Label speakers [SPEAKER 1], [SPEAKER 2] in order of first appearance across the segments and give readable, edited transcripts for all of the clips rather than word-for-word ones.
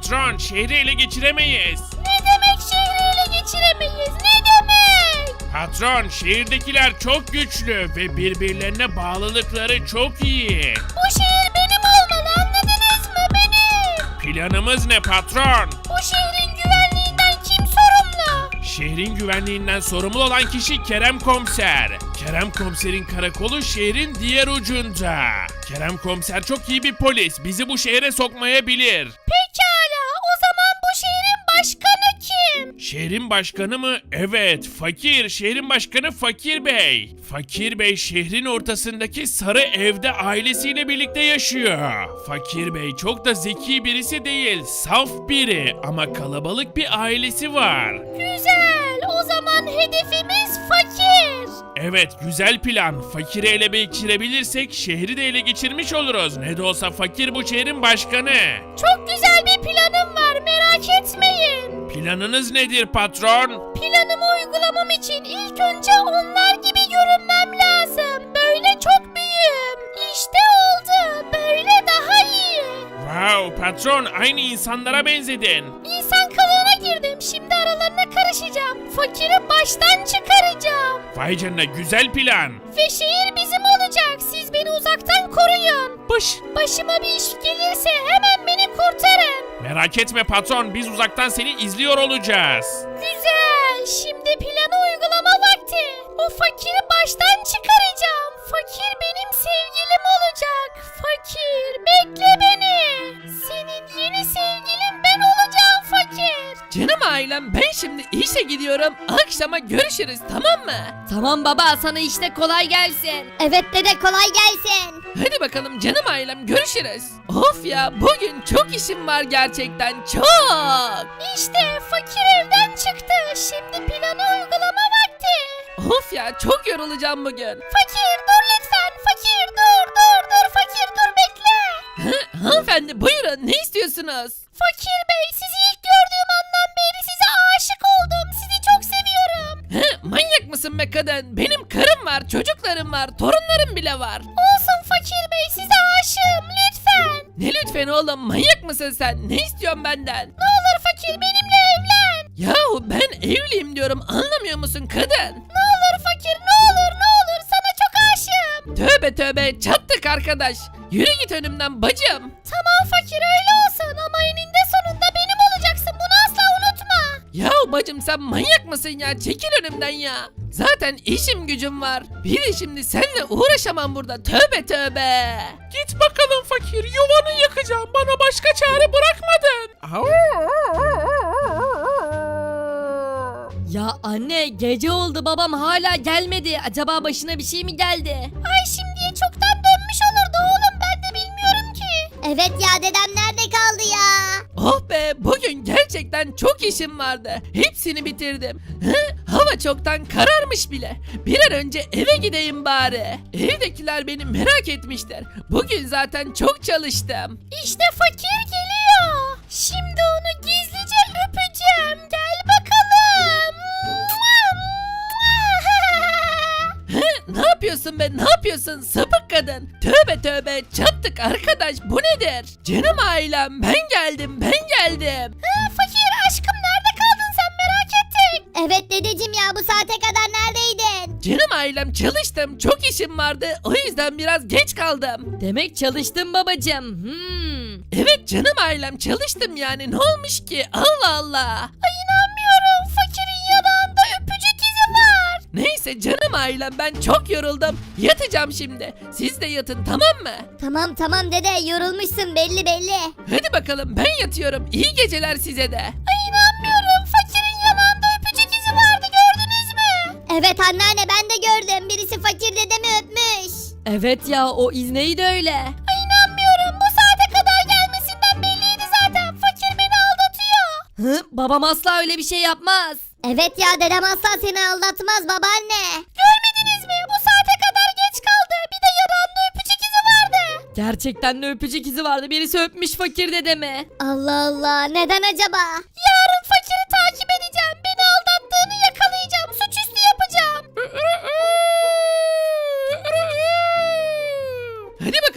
[SPEAKER 1] Patron, şehri ele geçiremeyiz.
[SPEAKER 2] Ne demek şehri ele geçiremeyiz? Ne demek?
[SPEAKER 1] Patron, şehirdekiler çok güçlü ve birbirlerine bağlılıkları çok iyi.
[SPEAKER 2] Bu şehir benim olmalı, anladınız mı? Benim.
[SPEAKER 1] Planımız ne patron?
[SPEAKER 2] Bu şehrin güvenliğinden kim sorumlu?
[SPEAKER 1] Şehrin güvenliğinden sorumlu olan kişi Kerem Komiser. Kerem Komiser'in karakolu şehrin diğer ucunda. Kerem Komiser çok iyi bir polis. Bizi bu şehre sokmayabilir.
[SPEAKER 2] Pekala, o zaman bu şehrin başkanı kim?
[SPEAKER 1] Şehrin başkanı mı? Evet, Fakir. Şehrin başkanı Fakir Bey. Fakir Bey şehrin ortasındaki sarı evde ailesiyle birlikte yaşıyor. Fakir Bey çok da zeki birisi değil, saf biri ama kalabalık bir ailesi var.
[SPEAKER 2] Güzel, o zaman hedefimiz fakir.
[SPEAKER 1] Evet, güzel plan. Fakiri ele geçirebilirsek şehri de ele geçirmiş oluruz. Ne de olsa Fakir bu şehrin başkanı.
[SPEAKER 2] Çok güzel bir planım var, merak etmeyin.
[SPEAKER 1] Planınız nedir patron?
[SPEAKER 2] Planımı uygulamam için ilk önce onlar gibi görünmem lazım. Böyle çok büyüğüm. İşte oldu. Böyle daha iyi.
[SPEAKER 1] Wow, patron aynı insanlara benzedin.
[SPEAKER 2] İnsan kılığına girdim. Şimdi aralarına karışacağım. Fakiri baştan çıkaracağım.
[SPEAKER 1] Vay canına, güzel plan.
[SPEAKER 2] Ve şehir bizim olacak. Siz beni uzaktan koruyun. Başıma bir iş gelirse hemen beni kurtarın.
[SPEAKER 1] Merak etme patron, biz uzaktan seni izliyor olacağız.
[SPEAKER 2] Güzel. Şimdi planı uygulama vakti. O fakiri baştan çıkaracağım. Fakir benim sevgilim olacak. Fakir, bekle beni. Senin yeni sevgilin ben olacağım fakir.
[SPEAKER 3] Canım ailem, ben şimdi işe gidiyorum. Akşama görüşürüz, tamam mı?
[SPEAKER 4] Tamam baba, sana işte kolay gelsin.
[SPEAKER 5] Evet dede, kolay gelsin.
[SPEAKER 3] Hadi bakalım canım ailem, görüşürüz. Of ya, bugün çok işim var gerçekten, çok.
[SPEAKER 2] İşte fakir evden çıktı. Şimdi planı uygulama vakti.
[SPEAKER 3] Of ya, çok yorulacağım bugün.
[SPEAKER 2] Fakir dur lütfen. Fakir dur. Fakir dur, bekle.
[SPEAKER 3] Hanımefendi buyurun, ne istiyorsunuz?
[SPEAKER 2] Fakir bey, sizi ilk gördüğüm andan beri size aşık oldum. Sizi çok seviyorum.
[SPEAKER 3] Manyak mısın be kadın? Benim karım var, çocuklarım var, torunlarım bile var.
[SPEAKER 2] Olsun fakir bey, size aşığım lütfen.
[SPEAKER 3] Ne lütfen oğlum, manyak mısın sen? Ne istiyorsun benden?
[SPEAKER 2] Ne olur fakir, benimle evlen.
[SPEAKER 3] Yahu ben evliyim diyorum, anlamıyor musun kadın?
[SPEAKER 2] Ne olur fakir, ne olur sana çok aşığım.
[SPEAKER 3] Tövbe tövbe, çattık arkadaş. Yürü git önümden bacım.
[SPEAKER 2] Tamam fakir, öyle olsun ama eninde sonunda benim olacaksın, bunu asla unutma.
[SPEAKER 3] Yahu bacım sen manyak mısın ya? Çekil önümden ya. Zaten işim gücüm var. Bir de şimdi seninle uğraşamam burada. Tövbe tövbe. Git bakalım fakir. Yuvanı yakacağım. Bana başka çare bırakmadın.
[SPEAKER 4] Ya anne, gece oldu, babam hala gelmedi. Acaba başına bir şey mi geldi?
[SPEAKER 2] Ay şimdiye çoktan dönmüş olurdu oğlum, ben de bilmiyorum ki.
[SPEAKER 5] Evet ya, dedem nerede kaldı ya?
[SPEAKER 3] Oh be, bugün gerçekten çok işim vardı. Hepsini bitirdim. Hava çoktan kararmış bile. Bir an önce eve gideyim bari. Evdekiler beni merak etmişler. Bugün zaten çok çalıştım.
[SPEAKER 2] İşte fakir geliyor. Şimdi onu gizlice öpeceğim. Gel bakalım.
[SPEAKER 3] Ne yapıyorsun be, ne yapıyorsun sapık kadın? Tövbe tövbe, çattık arkadaş, bu nedir? Canım ailem, ben geldim.
[SPEAKER 2] Fakir aşkım, nerede kaldın sen, merak ettik.
[SPEAKER 5] Evet dedeciğim ya, bu saate kadar neredeydin?
[SPEAKER 3] Canım ailem, çalıştım, çok işim vardı, o yüzden biraz geç kaldım.
[SPEAKER 4] Demek çalıştın babacım.
[SPEAKER 3] Evet canım ailem, çalıştım yani, ne olmuş ki? Allah Allah.
[SPEAKER 2] Ay inanmıyorum, fakirin yanağında öpücük izi var.
[SPEAKER 3] Neyse canım ailem, ben çok yoruldum. Yatacağım şimdi. Siz de yatın, tamam mı?
[SPEAKER 5] Tamam dede, yorulmuşsun belli.
[SPEAKER 3] Hadi bakalım, ben yatıyorum. İyi geceler size de.
[SPEAKER 2] Ay inanmıyorum, fakirin yanağında öpücük izi vardı, gördünüz mü?
[SPEAKER 5] Evet anneanne, ben de gördüm. Birisi fakir dedemi öpmüş.
[SPEAKER 4] Evet ya, o iz neydi öyle?
[SPEAKER 2] Ay inanmıyorum, bu saate kadar gelmesinden belliydi zaten. Fakir beni aldatıyor.
[SPEAKER 4] Babam asla öyle bir şey yapmaz.
[SPEAKER 5] Evet ya, dedem asla seni aldatmaz babaanne.
[SPEAKER 2] Görmediniz mi? Bu saate kadar geç kaldı. Bir de yanağında öpücük izi vardı.
[SPEAKER 4] Gerçekten de öpücük izi vardı. Birisi öpmüş fakir dedemi.
[SPEAKER 5] Allah Allah, neden acaba?
[SPEAKER 2] Yarın fakiri takip edeceğim. Beni aldattığını yakalayacağım. Suçüstü yapacağım.
[SPEAKER 3] Hadi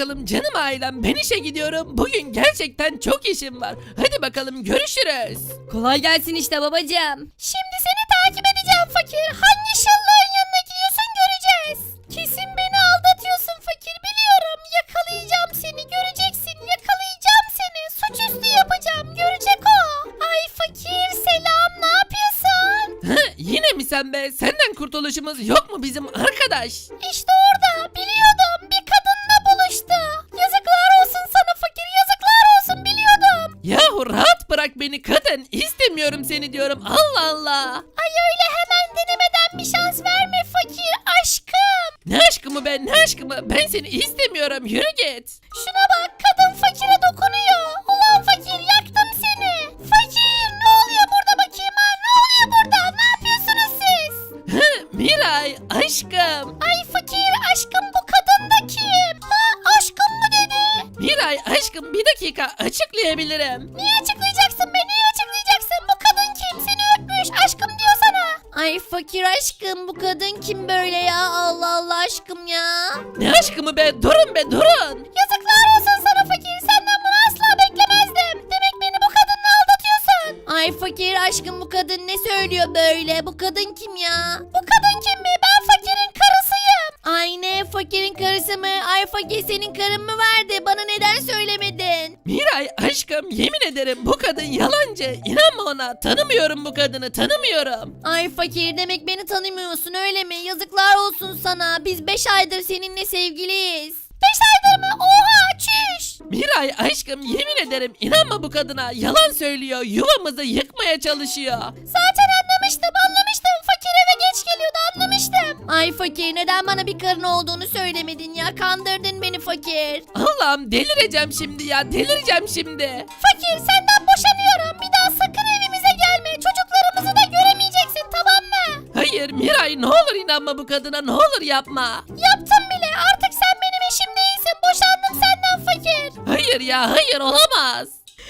[SPEAKER 3] bakalım canım ailem, ben işe gidiyorum. Bugün gerçekten çok işim var. Hadi bakalım, görüşürüz.
[SPEAKER 4] Kolay gelsin işte babacığım.
[SPEAKER 2] Şimdi seni takip edeceğim fakir. Hangi şıllığın yanına gidiyorsun göreceğiz. Kesin beni aldatıyorsun fakir biliyorum. Yakalayacağım seni göreceksin. Yakalayacağım seni. Suçüstü yapacağım. Görecek o. Ay fakir selam ne yapıyorsun?
[SPEAKER 3] Yine mi sen be? Senden kurtuluşumuz yok mu bizim arkadaş?
[SPEAKER 2] İşte orada biliyordum. Bir kadınla buluştu. Yazıklar olsun sana fakir. Yazıklar olsun biliyordum.
[SPEAKER 3] Yahu rahat bırak beni kadın. İstemiyorum seni diyorum. Allah Allah.
[SPEAKER 2] Ay öyle hemen denemeden bir şans verme fakir aşkım.
[SPEAKER 3] Ne aşkımı be, ne aşkımı? Ben seni istemiyorum. Yürü git.
[SPEAKER 2] Şuna bak kadın fakire dokunuyor. Ulan fakir yaktım seni. Fakir ne oluyor burada bakayım ha? Ne oluyor burada? Ne yapıyorsunuz siz?
[SPEAKER 3] Miray aşkım.
[SPEAKER 2] Ay fakir aşkım bu kadın da kim? Ha aşkım mı dedi?
[SPEAKER 3] Miray aşkım, bir dakika açıklayabilirim.
[SPEAKER 2] Niye açıklayacaksın be? Niye açıklayacaksın? Bu kadın kim? Seni öpmüş aşkım diyor sana.
[SPEAKER 4] Ay fakir aşkım, bu kadın kim böyle ya? Allah Allah aşkım ya.
[SPEAKER 3] Ne aşkımı be, durun be durun.
[SPEAKER 2] Yazıklar olsun sana fakir. Senden bunu asla beklemezdim. Demek beni bu kadınla aldatıyorsun.
[SPEAKER 4] Ay fakir aşkım, bu kadın ne söylüyor böyle? Bu kadın kim ya?
[SPEAKER 2] Bu kadın kim mi? Ben fakirin karısıyım.
[SPEAKER 4] Ay ne, fakirin karısı mı? Ay fakir, senin karın mı vardı? Bana neden söylemedin?
[SPEAKER 3] Miray aşkım, yemin ederim bu kadın yalancı. İnanma ona, tanımıyorum bu kadını, tanımıyorum.
[SPEAKER 4] Ay fakir, demek beni tanımıyorsun öyle mi? Yazıklar olsun sana. Biz 5 aydır seninle sevgiliyiz.
[SPEAKER 2] 5 aydır mı? Oha çüş.
[SPEAKER 3] Miray aşkım, yemin ederim inanma bu kadına, yalan söylüyor, yuvamızı yıkmaya çalışıyor.
[SPEAKER 2] Zaten anlamıştım. Fakir eve geç geliyordu anlamıştım.
[SPEAKER 4] Ay fakir, neden bana bir karın olduğunu söylemedin ya? Kandırdın beni fakir.
[SPEAKER 3] Allah'ım, delireceğim şimdi ya, delireceğim şimdi.
[SPEAKER 2] Fakir senden boşanıyorum. Bir daha sakın evimize gelme. Çocuklarımızı da göremeyeceksin tamam mı?
[SPEAKER 3] Hayır Miray, ne olur inanma bu kadına, ne olur yapma.
[SPEAKER 2] Yaptım bile. Artık sen benim eşim değilsin. Boşandım senden fakir.
[SPEAKER 3] Hayır ya, hayır olamaz.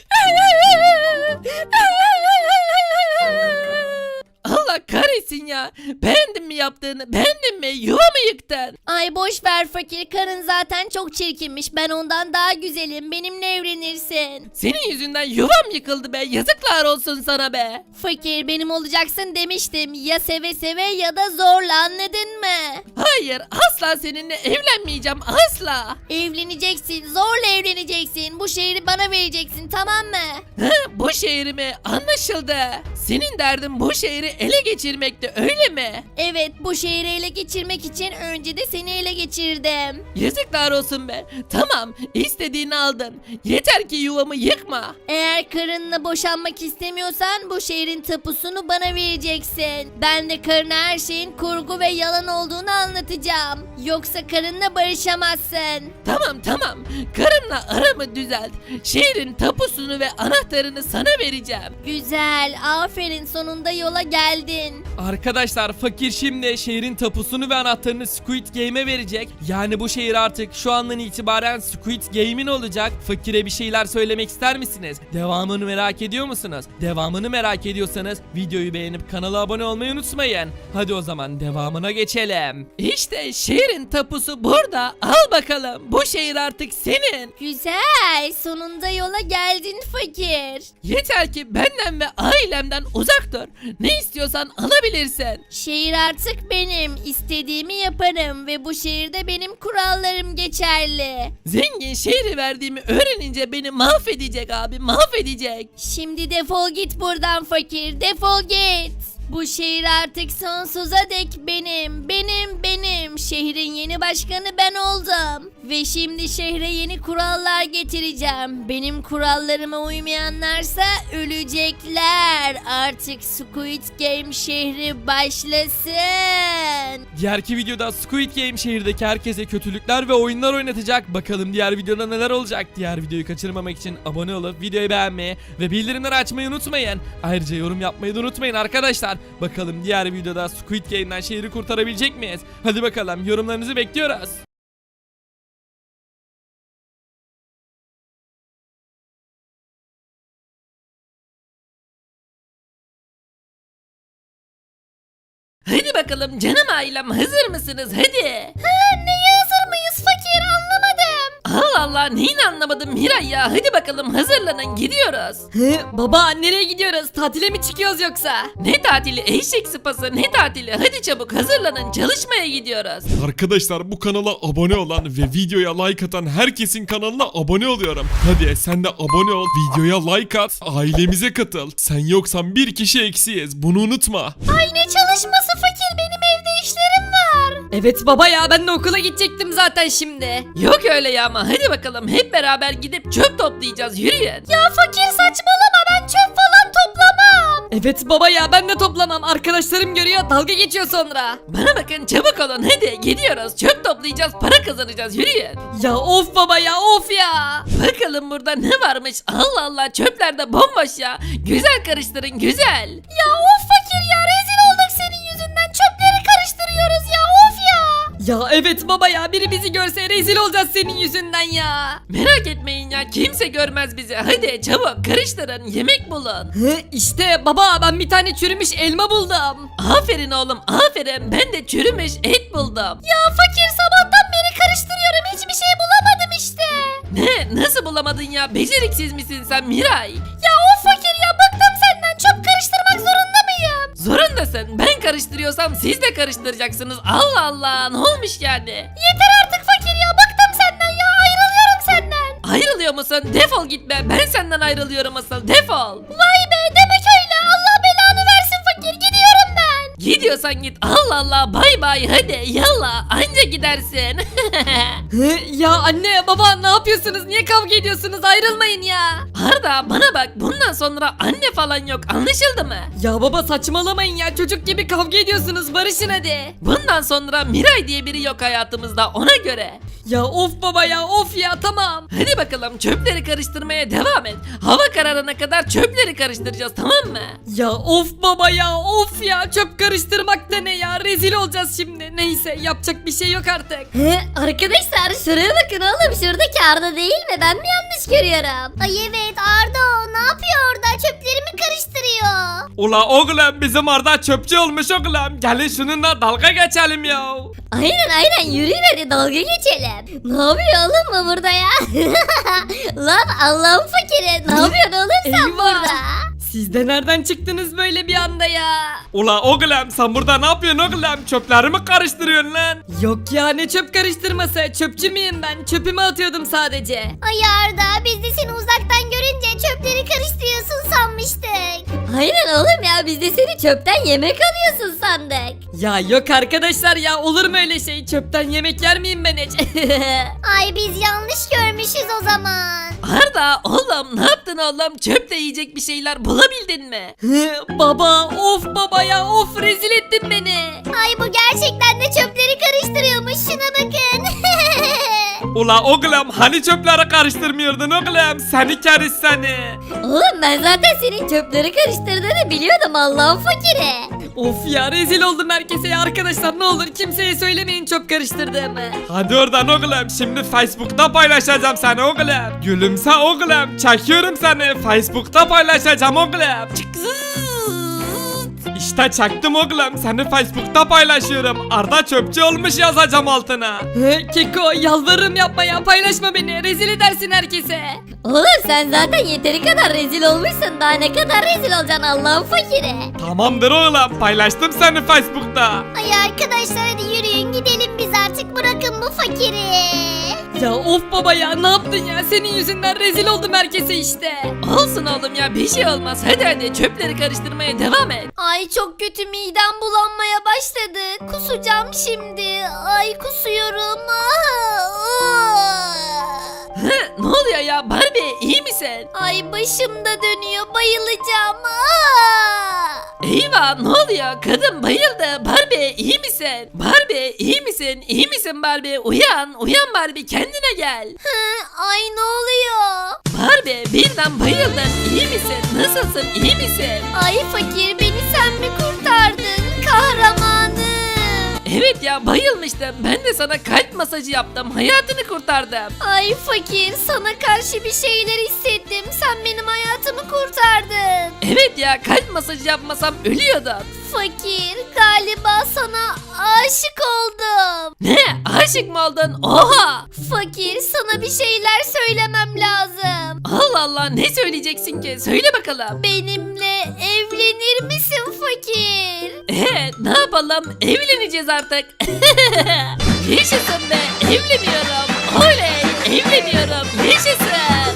[SPEAKER 3] Allah kahretsin ya. Beğendin mi yaptığını? Beğendin mi? Yuvamı yıktın.
[SPEAKER 4] Ay boş ver fakir, karın zaten çok çirkinmiş. Ben ondan daha güzelim. Benimle evlenirsin.
[SPEAKER 3] Senin yüzünden yuvam yıkıldı be. Yazıklar olsun sana be.
[SPEAKER 4] Fakir, benim olacaksın demiştim. Ya seve seve ya da zorla, anladın mı?
[SPEAKER 3] Hayır, asla seninle evlenmeyeceğim, asla.
[SPEAKER 4] Evleneceksin, zorla evleneceksin. Bu şehri bana vereceksin, tamam mı?
[SPEAKER 3] Bu şehrimi anlaşıldı. Senin derdin bu şehri ele geçirmekti, öyle mi?
[SPEAKER 4] Evet, bu şehri ele geçirmek için önce de seni ele geçirdim.
[SPEAKER 3] Yazıklar olsun be. Tamam, istediğini aldın. Yeter ki yuvamı yıkma.
[SPEAKER 4] Eğer karınla boşanmak istemiyorsan bu şehrin tapusunu bana vereceksin. Ben de karına her şeyin kurgu ve yalan olduğunu anlatacağım. Yoksa karınla barışamazsın.
[SPEAKER 3] Tamam. Karımla aramı düzelt. Şehrin tapusunu ve anahtarını sana vereceğim.
[SPEAKER 4] Güzel, aferin, sonunda yola geldin.
[SPEAKER 6] Arkadaşlar fakir şimdi şehrin tapusunu ve anahtarını Squid Game'e verecek. Yani bu şehir artık şu andan itibaren Squid Game'in olacak. Fakire bir şeyler söylemek ister misiniz? Devamını merak ediyor musunuz? Devamını merak ediyorsanız videoyu beğenip kanala abone olmayı unutmayın. Hadi o zaman devamına geçelim.
[SPEAKER 3] İşte şehrin tapusu burada. Al bakalım. Bu şehir artık senin.
[SPEAKER 4] Güzel, sonunda yola geldin fakir.
[SPEAKER 3] Yeter ki benden ve ailemden uzak dur. Ne istiyorsan alabilirsin.
[SPEAKER 4] Şehir artık benim. İstediğimi yaparım ve bu şehirde benim kurallarım geçerli.
[SPEAKER 3] Zengin şehri verdiğimi öğrenince beni mahvedecek abi, mahvedecek.
[SPEAKER 4] Şimdi defol git buradan fakir, defol git. Bu şehir artık sonsuza dek benim, benim. Şehrin yeni başkanı ben oldum. Ve şimdi şehre yeni kurallar getireceğim. Benim kurallarıma uymayanlarsa ölecekler. Artık Squid Game şehri başlasın.
[SPEAKER 6] Diğerki videoda Squid Game şehirdeki herkese kötülükler ve oyunlar oynatacak. Bakalım diğer videoda neler olacak. Diğer videoyu kaçırmamak için abone olup videoyu beğenmeyi ve bildirimleri açmayı unutmayın. Ayrıca yorum yapmayı da unutmayın arkadaşlar. Bakalım diğer videoda Squid Game'den şehri kurtarabilecek miyiz? Hadi bakalım, yorumlarınızı bekliyoruz.
[SPEAKER 3] Hadi bakalım canım ailem, hazır mısınız? Hadi.
[SPEAKER 2] Neye hazır mıyız fakir anlamadım.
[SPEAKER 3] Allah Allah neyini anlamadım Miray ya. Hadi bakalım hazırlanın gidiyoruz.
[SPEAKER 2] Baba nereye gidiyoruz? Tatile mi çıkıyoruz yoksa?
[SPEAKER 3] Ne tatili eşek sıpası ne tatili. Hadi çabuk hazırlanın çalışmaya gidiyoruz.
[SPEAKER 7] Arkadaşlar bu kanala abone olan ve videoya like atan herkesin kanalına abone oluyorum. Hadi sen de abone ol, videoya like at, ailemize katıl. Sen yoksan bir kişi eksiyiz, bunu unutma.
[SPEAKER 2] Ay ne çalışması fakir, benim evde işlerim var. Evet baba ya, ben de okula gidecektim zaten şimdi.
[SPEAKER 3] Yok öyle ya ama hadi bakalım hep beraber gidip çöp toplayacağız yürüyün.
[SPEAKER 2] Ya fakir saçmalama, ben çöp falan toplamam. Evet baba ya, ben de toplamam. Arkadaşlarım görüyor, dalga geçiyor sonra.
[SPEAKER 3] Bana bakın çabuk olun hadi gidiyoruz çöp toplayacağız para kazanacağız yürüyün.
[SPEAKER 2] Ya of baba ya, of ya.
[SPEAKER 3] Bakalım burada ne varmış Allah Allah çöpler de bomboş ya. Güzel karıştırın güzel.
[SPEAKER 2] Ya of fakir ya, rezil olduk senin yüzünden, çöpleri karıştırıyoruz ya, of ya. Ya evet baba ya, biri bizi görse rezil olacağız senin yüzünden ya.
[SPEAKER 3] Merak etmeyin ya kimse görmez bizi. Hadi çabuk karıştırın yemek bulun.
[SPEAKER 2] İşte baba, ben bir tane çürümüş elma buldum.
[SPEAKER 3] Aferin oğlum aferin ben de çürümüş et buldum.
[SPEAKER 2] Ya fakir, sabahtan beri karıştırıyorum, hiçbir şey bulamadım işte.
[SPEAKER 3] Ne nasıl bulamadın ya beceriksiz misin sen Miray?
[SPEAKER 2] Ya of fakir ya, bıktım senden, çöp karıştırmak zorunda mıyım?
[SPEAKER 3] Zorundasın ben karıştırıyorsam siz de karıştıracaksınız. Allah Allah ne olmuş yani?
[SPEAKER 2] Yeter artık fakir ya, bıktım senden ya, ayrılıyorum senden.
[SPEAKER 3] Ayrılıyor musun? Defol gitme ben senden ayrılıyorum asıl defol.
[SPEAKER 2] Vay be, demek öyle, Allah belanı versin fakir, gidiyorum ben.
[SPEAKER 3] Gidiyorsan git Allah Allah bay bay hadi yallah anca gidersin.
[SPEAKER 2] Ya anne baba, ne yapıyorsunuz, niye kavga ediyorsunuz, ayrılmayın ya.
[SPEAKER 3] Arda bana bak bundan sonra anne falan yok anlaşıldı mı?
[SPEAKER 2] Ya baba saçmalamayın ya, çocuk gibi kavga ediyorsunuz, barışın hadi.
[SPEAKER 3] Bundan sonra Miray diye biri yok hayatımızda ona göre.
[SPEAKER 2] Ya of baba ya, of ya, tamam.
[SPEAKER 3] Hadi bakalım çöpleri karıştırmaya devam et. Hava kararına kadar çöpleri karıştıracağız tamam mı?
[SPEAKER 2] Ya of baba ya, of ya, çöp karıştırmak da ne ya, rezil olacağız şimdi. Neyse, yapacak bir şey yok artık.
[SPEAKER 5] Arkadaşlar şuraya bakın oğlum, şuradaki Arda değil mi? Ben mi yanlış görüyorum? Ay evet, Arda o. Ne yapıyor orada? Çöplerimi karıştırıyor.
[SPEAKER 6] Ula oğlum bizim Arda çöpçü olmuş oğlum. Gelin şununla dalga geçelim ya.
[SPEAKER 5] Aynen yürüyün hadi, dalga geçelim. Ne yapıyor oğlum bu burada ya? Lan Allah'ın fakiri, ne yapıyorsun oğlum sen
[SPEAKER 2] Eyvah.
[SPEAKER 5] burada?
[SPEAKER 2] Siz de nereden çıktınız böyle bir anda ya?
[SPEAKER 6] Ula oğlum sen burada ne yapıyorsun oğlum? Çöplerimi karıştırıyorsun lan.
[SPEAKER 2] Yok ya, ne çöp karıştırması, çöpçü müyüm ben? Çöpümü atıyordum sadece.
[SPEAKER 5] Ay Arda, biz de seni uzaktan görünce çöpleri karıştırıyorsun sanmıştık. Aynen oğlum ya, biz de seni çöpten yemek alıyorsun sandık.
[SPEAKER 2] Ya yok arkadaşlar ya, olur mu öyle şey? Çöpten yemek yer miyim ben hiç?
[SPEAKER 5] Ay biz yanlış görmüşüz o zaman.
[SPEAKER 3] Arda oğlum ne yaptın oğlum çöple yiyecek bir şeyler bulabildin mi?
[SPEAKER 2] Baba, of baba ya, of, rezil ettin beni.
[SPEAKER 5] Ay bu gerçekten de çöpleri karıştırıyormuş, şuna bakın.
[SPEAKER 6] Ula oğlum hani çöpleri karıştırmıyordun oğlum? Seni keriz seni.
[SPEAKER 5] Oğlum ben zaten senin çöpleri karıştırdığını biliyordum, Allah'ın fakiri.
[SPEAKER 2] Of ya, rezil oldum herkese ya. Arkadaşlar ne olur kimseye söylemeyin çöp karıştırdığımı.
[SPEAKER 6] Hadi oradan oğlum şimdi Facebook'ta paylaşacağım seni oğlum. Gülümse oğlum çekiyorum seni Facebook'ta paylaşacağım oğlum. İşte çaktım oğlum seni Facebook'ta paylaşıyorum. Arda çöpçü olmuş yazacağım altına.
[SPEAKER 2] Keko, yalvarırım yapma ya, paylaşma beni, rezil edersin herkese.
[SPEAKER 5] Oğlum sen zaten yeteri kadar rezil olmuşsun, daha ne kadar rezil olacaksın Allah'ın fakiri.
[SPEAKER 6] Tamamdır oğlum paylaştım seni Facebook'ta.
[SPEAKER 5] Ay arkadaşlar hadi yürüyün gidelim biz artık, bırakın bu fakiri.
[SPEAKER 2] Ya of baba ya, ne yaptın ya, senin yüzünden rezil oldum herkese işte.
[SPEAKER 3] Olsun oğlum ya bir şey olmaz hadi çöpleri karıştırmaya devam et.
[SPEAKER 5] Ay çok kötü, midem bulanmaya başladı. Kusacağım şimdi. Ay kusuyorum.
[SPEAKER 3] Ne oluyor ya Barbie iyi misin?
[SPEAKER 5] Ay başım da dönüyor, bayılacağım.
[SPEAKER 3] Eyvah ne oluyor kadın bayıldı Barbie iyi misin? Barbie iyi misin? İyi misin Barbie? Uyan Barbie kendine gel.
[SPEAKER 5] Ay ne oluyor?
[SPEAKER 3] Barbie birden bayıldın iyi misin? Nasılsın iyi misin?
[SPEAKER 5] Ay fakir, beni sen mi kurtardın? Kahramanım.
[SPEAKER 3] Evet ya bayılmıştım ben de sana kalp masajı yaptım hayatını kurtardım.
[SPEAKER 5] Ay fakir, sana karşı bir şeyler hissettim. Sen benim hayatımı kurtardın.
[SPEAKER 3] Evet ya kalp masajı yapmasam ölüyordum.
[SPEAKER 5] Fakir, galiba sana aşık oldum.
[SPEAKER 3] Ne? Aşık mı oldun? Oha!
[SPEAKER 5] Fakir, sana bir şeyler söylemem lazım.
[SPEAKER 3] Allah Allah, ne söyleyeceksin ki? Söyle bakalım.
[SPEAKER 5] Benimle evlenir misin fakir?
[SPEAKER 3] Ne yapalım? Evleneceğiz artık. Yaşasın be, evleniyorum. Oley, evleniyorum. Yaşasın.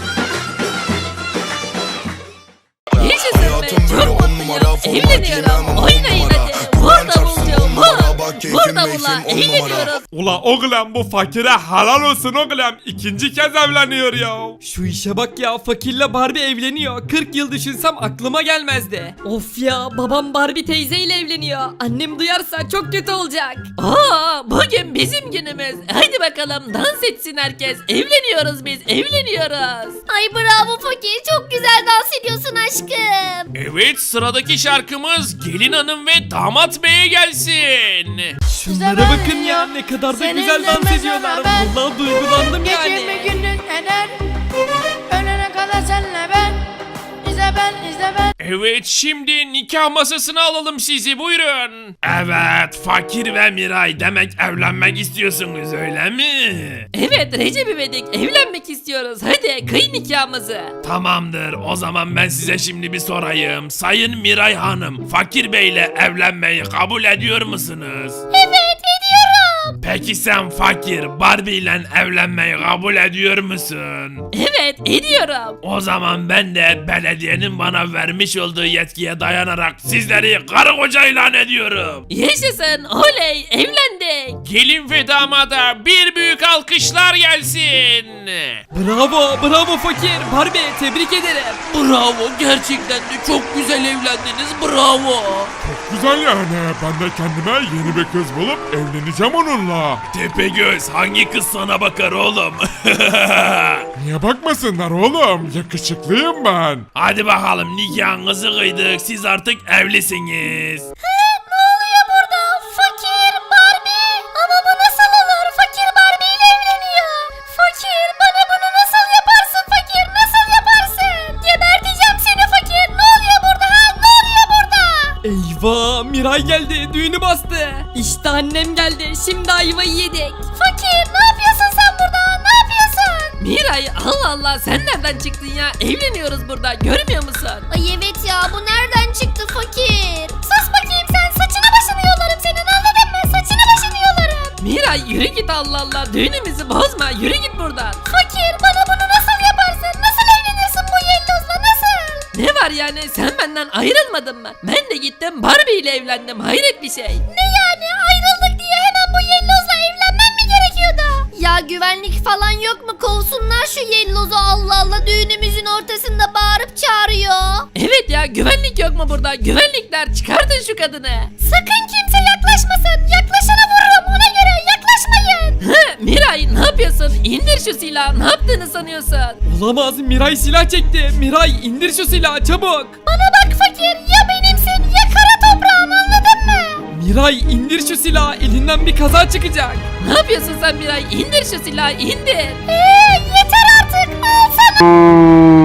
[SPEAKER 3] Yaşasın be, çok mutluyum. Evleniyorum. Oynayın hadi. Burada bulacağım. Burada bula. Eğleniyoruz.
[SPEAKER 7] Ula oğlum bu fakire helal olsun oğlum. İkinci kez evleniyor ya.
[SPEAKER 6] Şu işe bak ya, fakirle Barbie evleniyor. 40 yıl düşünsem aklıma gelmezdi.
[SPEAKER 3] Of ya, babam Barbie teyzeyle evleniyor. Annem duyarsa çok kötü olacak. Bugün bizim günümüz. Hadi bakalım, dans etsin herkes. Evleniyoruz biz, evleniyoruz.
[SPEAKER 5] Ay bravo fakir, çok güzel dans ediyorsun aşkım.
[SPEAKER 1] Evet, sıradaki şarkımız gelin hanım ve damat beye gelsin.
[SPEAKER 6] Şunlara bakın ya, ne kadar da güzel dans ediyorlar. Vallahi duygulandım yani.
[SPEAKER 8] Gecemi gündüz eder. Ölene kadar senle ben. İzle ben.
[SPEAKER 1] Evet, şimdi nikah masasına alalım sizi, buyurun. Evet, Fakir ve Miray, demek evlenmek istiyorsunuz öyle mi?
[SPEAKER 3] Evet Recep İvedik, evlenmek istiyoruz. Hadi kıy nikahımızı.
[SPEAKER 1] Tamamdır, o zaman ben size şimdi bir sorayım. Sayın Miray Hanım, Fakir Bey'le evlenmeyi kabul ediyor musunuz?
[SPEAKER 5] Evet, ediyorum.
[SPEAKER 1] Peki sen Fakir, Barbie ile evlenmeyi kabul ediyor musun?
[SPEAKER 3] Evet ediyorum.
[SPEAKER 1] O zaman ben de belediyenin bana vermiş olduğu yetkiye dayanarak sizleri karı koca ilan ediyorum.
[SPEAKER 3] Yaşasın, oley, evlendik.
[SPEAKER 1] Gelin ve damada bir büyük alkışlar gelsin.
[SPEAKER 6] Bravo fakir. Barbie, tebrik ederim.
[SPEAKER 3] Bravo, gerçekten de çok güzel evlendiniz, bravo.
[SPEAKER 7] Güzel yani. Ben de kendime yeni bir kız bulup evleneceğim onunla.
[SPEAKER 1] Tepegöz, hangi kız sana bakar oğlum?
[SPEAKER 7] Niye bakmasınlar oğlum? Yakışıklıyım ben.
[SPEAKER 1] Hadi bakalım, nikahınızı kıydık, siz artık evlisiniz.
[SPEAKER 5] Ne oluyor burada? Fakir, Barbie. Ama bu nasıl olur? Fakir Barbie ile evleniyor. Fakir, bana bunu nasıl yaparsın fakir? Nasıl yaparsın? Geberteceğim seni fakir. Ne oluyor burada ha? Ne oluyor burada?
[SPEAKER 6] Eyvah, Miray geldi, düğünü bastı.
[SPEAKER 3] İşte annem geldi, şimdi ayvayı yedik.
[SPEAKER 5] Fakir, ne yapıyorsun sen burada? Ne yapıyorsun?
[SPEAKER 3] Miray, Allah Allah, sen nereden çıktın ya? Evleniyoruz burada, görmüyor musun?
[SPEAKER 5] Ay evet ya, bu nereden çıktı fakir? Sus bakayım sen, saçını başını yolarım senin, anladın mı? Saçını başını yolarım.
[SPEAKER 3] Miray yürü git, Allah Allah, düğünümüzü bozma, yürü git buradan.
[SPEAKER 5] Fakir, bana bunu nasıl yaparsın? Nasıl evlenirsin bu yellozla, nasıl?
[SPEAKER 3] Ne var yani, sen benden ayrılmadın mı? Ben de gittim Barbie ile evlendim, hayret bir şey.
[SPEAKER 5] Ne yani, ayrıldık diye hemen bu yellozla evlenmem mi gerekiyordu? Ya güvenlik falan yok mu? Kovsunlar şu yellozu, Allah Allah, düğünümüzün ortasında bağırıp çağırıyor.
[SPEAKER 3] Evet ya, güvenlik yok mu burada? Güvenlikler, çıkartın şu kadını.
[SPEAKER 5] Sakın kimse yaklaşmasın, yaklaşana vururum, ona göre yaklaşmayın.
[SPEAKER 3] Miray, ne yapıyorsun? İndir şu silahı, ne yaptığını sanıyorsun?
[SPEAKER 6] Olamaz, Miray silah çekti. Miray, indir şu silahı çabuk.
[SPEAKER 5] Bana bak fakir, ya benimsin ya kara toprağın, anladın mı?
[SPEAKER 6] Miray, indir şu silahı, elinden bir kaza çıkacak.
[SPEAKER 3] Ne yapıyorsun sen Miray? İndir şu silahı, indir.
[SPEAKER 5] Yeter artık, al sana.